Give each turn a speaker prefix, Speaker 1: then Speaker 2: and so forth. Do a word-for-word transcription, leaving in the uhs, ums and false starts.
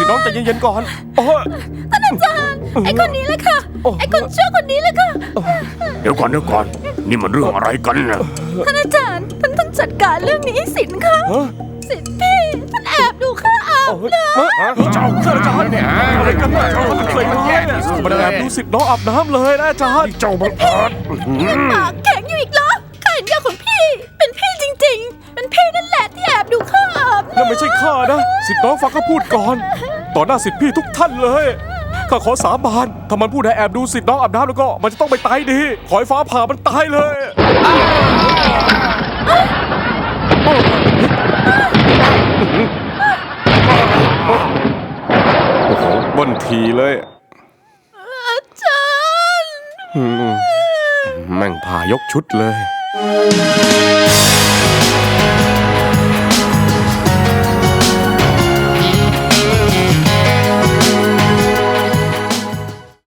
Speaker 1: น้องใจเย็นๆก่อนโอ้
Speaker 2: ท่านอาจารย์ไอ้คนนี้เลยค่ะไอ้คนชั่วคนนี้เลยค่ะ
Speaker 3: เดี๋ยวก่อนเดี๋ยวก่อนนี่มันเรื่องอะไรกันนะ
Speaker 2: ท่านอาจารย์ท่านต้องจัดการเรื่องนี้สินค่ะสินพี่ท่านแอบดูข้าอาบน้ำ
Speaker 1: เจ้าท่านอาจารย์อะไรกันเนี่ยมันเคยร้ายมันแอบดูสิทธิ์น้องอาบน้ำเลยนะอาจารย์
Speaker 3: เจ้าบังอาจ
Speaker 2: ปากแข็งอยู่อีกเหรอข้าเห็นยาของพี่เป็นพี่จริงๆเป็นพี่นั่นแหละที่แอบดูข้าอาบ
Speaker 1: นั่นไม่ใช่ข้านะสิทธิ์น้องฟังข้าพูดก่อนต่อหน้าสิทธิ์พี่ทุกท่านเลยข้าขอสาบานถ้ามันพูดให้แอบดูสิทธิ์น้องอาบน้ำแล้วก็มันจะต้องไปตายดีขอให้ฟ้าผ่ามันตายเลยโอ้โหบนทีเลย
Speaker 2: อาจารย์
Speaker 1: แม่งผ่ายกชุดเลย